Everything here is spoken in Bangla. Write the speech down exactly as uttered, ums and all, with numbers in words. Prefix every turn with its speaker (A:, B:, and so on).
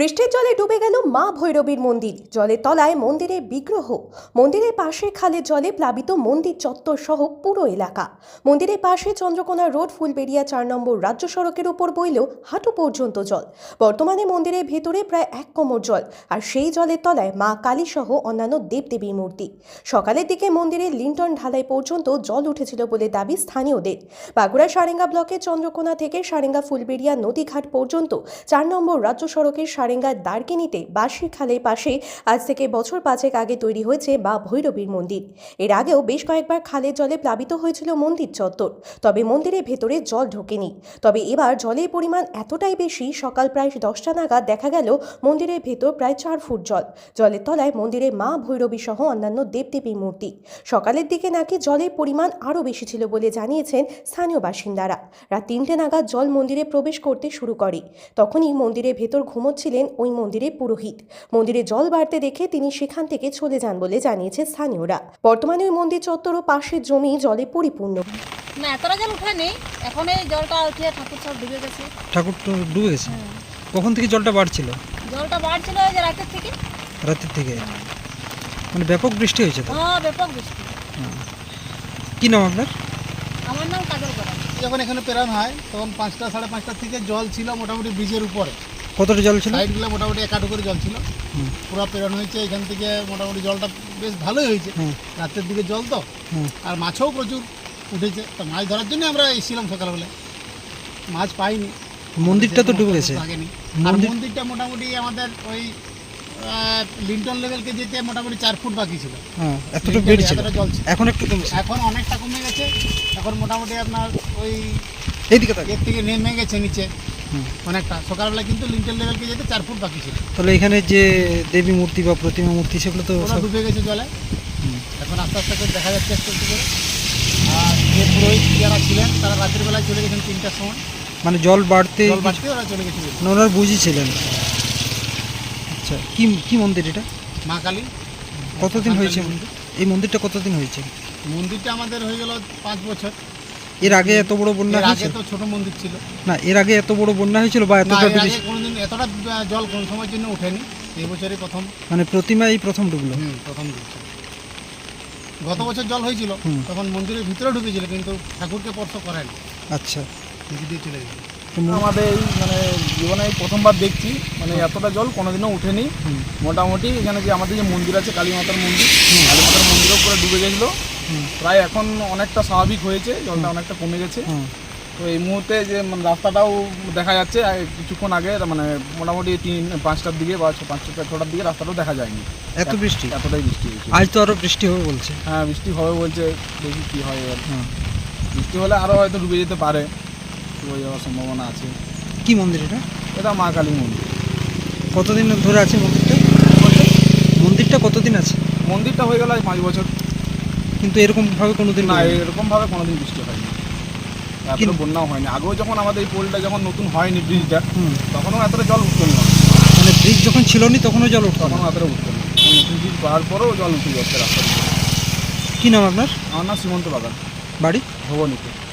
A: বৃষ্টির জলে ডুবে গেল মা ভৈরবীর মন্দির। জলের তলায় মন্দিরের বিগ্রহ। মন্দিরের পাশে খালের জলে প্লাবিত মন্দির চত্বর সহ পুরো এলাকা। মন্দিরের পাশে চন্দ্রকোনা রোড ফুলবেড়িয়া চার নম্বর রাজ্য সড়কের উপর বইলেও হাঁটু পর্যন্ত জল। বর্তমানে মন্দিরের ভেতরে প্রায় এক কোমর জল, আর সেই জলের তলায় মা কালী সহ অন্যান্য দেবদেবীর মূর্তি। সকালের দিকে মন্দিরের লিন্টন ঢালাই পর্যন্ত জল উঠেছিল বলে দাবি স্থানীয়দের। বাঁকুড়া সারেঙ্গা ব্লকের চন্দ্রকোনা থেকে সারেঙ্গা ফুলবেড়িয়া নদীঘাট পর্যন্ত চার নম্বর রাজ্য সড়কের সারেঙ্গার দার্কিনিতে বাঁশি খালের পাশে আজ থেকে বছর পাঁচেক আগে তৈরি হয়েছে মা ভৈরবীর মন্দির। এর আগেও বেশ কয়েকবার খালের জলে প্লাবিত হয়েছিল মন্দির চত্বর, তবে মন্দিরের ভেতরে জল ঢোকেনি। তবে এবার জলের পরিমাণ এতটাই বেশি, সকাল প্রায় দশটা নাগাদ দেখা গেল মন্দিরের ভেতর প্রায় চার ফুট জল। জলের তলায় মন্দিরে মা ভৈরবী সহ অন্যান্য দেবদেবীর মূর্তি। সকালের দিকে নাকি জলের পরিমাণ আরও বেশি ছিল বলে জানিয়েছেন স্থানীয় বাসিন্দারা। রাত তিনটে নাগাদ জল মন্দিরে প্রবেশ করতে শুরু করে। তখনই মন্দিরের ভেতর ঘুমোচ্ছিলেন ওই মন্দিরের পুরোহিত। মন্দিরে জল বাড়তে দেখে তিনি সেখান থেকে চলে যান বলে জানিয়েছে স্থানীয়রা। বর্তমানে ওই মন্দির চত্বর ও পাশের জমি জলে পরিপূর্ণ।
B: না, এতটা জল উঠেনি, এখন এই জলটা উঠে ঠাকুর সব ডুবে গেছে।
C: ঠাকুর তো ডুবে গেছে? কখন থেকে জলটা বাড়ছিল?
B: জলটা বাড়ছিল ওই যে রাতের থেকে।
C: রাতের থেকে? মানে ব্যাপক বৃষ্টি হয়েছে তো?
B: হ্যাঁ, ব্যাপক বৃষ্টি।
C: কি নাম আপনার?
B: আমার নাম কাজল করা।
D: যখন এখানে পেরান হয় তখন পাঁচটা সাড়ে পাঁচটার থেকে জল ছিল মোটামুটি ব্রিজের উপরে।
C: কতটা জল ছিল?
D: সাইডগুলো মোটামুটি এক হাঁটু করে জল ছিল। পুরো পেরান হয়েছে এখান থেকে, মোটামুটি জলটা বেশ ভালোই হয়েছে। রাতের দিকে জল তো, আর মাছও প্রচুর উঠেছে। তো মাছ ধরার জন্য আমরা এসেছিলাম সকালবেলা, মাছ পাইনি।
C: মন্দিরটা তো ডুবে গেছে।
D: আর মন্দিরটা মোটামুটি আমাদের ওই লিন্টন লেভেলকে যেতে মোটামুটি চার ফুট বাকি ছিল।
C: হ্যাঁ, এতটা বেড়েছিল।
D: জল ছিল,
C: এখন একটু কমছে।
D: এখন অনেকটা কমে গেছে। এখন মোটামুটি আপনার ওই
C: এইদিকে
D: এর থেকে নেমে গেছে নিচে অনেকটা। সকালবেলা কিন্তু লিন্টন লেভেলকে যেতে চার ফুট বাকি ছিল।
C: তাহলে এখানে যে দেবী মূর্তি বা প্রতিমা মূর্তি সেগুলো তো
D: ওরা ডুবে গেছে জলে। এখন আস্তে আস্তে করে দেখা যাচ্ছে একটু একটু করে। আর যে পুরোহিত যারা ছিলেন তারা রাতের বেলায় চলে গেছেন তিনটার সময়।
C: মানে জল বাড়তে
D: জল বাড়তে ওরা চলে গেছিলেন।
C: ওনারা বুঝিয়েছিলেন। আচ্ছা, কি কি মন্দির এটা?
D: মা কালী।
C: কতদিন হয়েছে মন্দির? এই মন্দিরটা কতদিন হয়েছে?
D: মন্দিরটা আমাদের হয়ে গেল পাঁচ বছর।
C: এর আগে এত বড় বন্যা
D: এর আগে
C: হয়েছিল?
D: তো ছোট মন্দির ছিল।
C: না, এর আগে এত বড় বন্যা হয়েছিল বা
D: না,
C: এতটা
D: এর আগে
C: বেশি?
D: কোনোদিন এতটা জল কোন সময়ের জন্য ওঠেনি। এই বছরই প্রথম।
C: মানে প্রতিমা এই প্রথম ডুবলো?
D: হুম, প্রথম ডুবছে। গত বছর জল হয়েছিল, তখন মন্দিরের ভিতরে ঢুকেছিল, কিন্তু ঠাকুরকে স্পর্শ করেনি।
C: আচ্ছা,
D: নিচে দিয়ে চলে গেছে।
E: আমাদের এই মানে জীবনে এই প্রথমবার দেখছি, মানে এতটা জল কোনোদিনও উঠেনি। মোটামুটি এখানে যে আমাদের যে মন্দির আছে কালী মাতার মন্দির, কালী মাতার মন্দিরও পুরো ডুবে গেছিলো। প্রায় এখন অনেকটা স্বাভাবিক হয়েছে, জলটা অনেকটা কমে গেছে। তো এই মুহূর্তে যে মানে রাস্তাটাও দেখা যাচ্ছে, কিছুক্ষণ আগে মানে মোটামুটি তিন পাঁচটার দিকে বা পাঁচটা ছটার দিকে রাস্তাটাও দেখা যায়নি।
C: এত বৃষ্টি?
E: এতটাই বৃষ্টি হয়েছে।
C: আজ তো আরো বৃষ্টি হবে বলছে।
E: হ্যাঁ, বৃষ্টি হবে বলছে, দেখি কী হয়। আর বৃষ্টি হলে আরও হয়তো ডুবে যেতে পারে, ডুবে যাওয়ার সম্ভাবনা আছে।
C: কি মন্দির এটা?
E: এটা মা কালী মন্দির।
C: কতদিন ধরে আছে মন্দিরটা? মন্দিরটা কতদিন আছে?
E: মন্দিরটা হয়ে গেল আজ পাঁচ বছর।
C: কিন্তু এরকমভাবে কোনোদিন
E: না, এরকমভাবে কোনোদিন বৃষ্টি হয়নি, এতটা বন্যাও হয়নি। আগেও যখন আমাদের এই পোলটা যখন নতুন হয়নি ব্রিজটা, তখনও এতটা জল উঠতো না।
C: মানে ব্রিজ যখন ছিল নি তখনও জল উঠতো?
E: তখনও এতটা উঠতো না। নতুন ব্রিজ পাওয়ার পরেও জল উঠে যাচ্ছে রাস্তা।
C: কি নাম আপনার?
E: আমার নাম সীমন্ত বাগান,
C: বাড়ি?
E: ভবনীতে।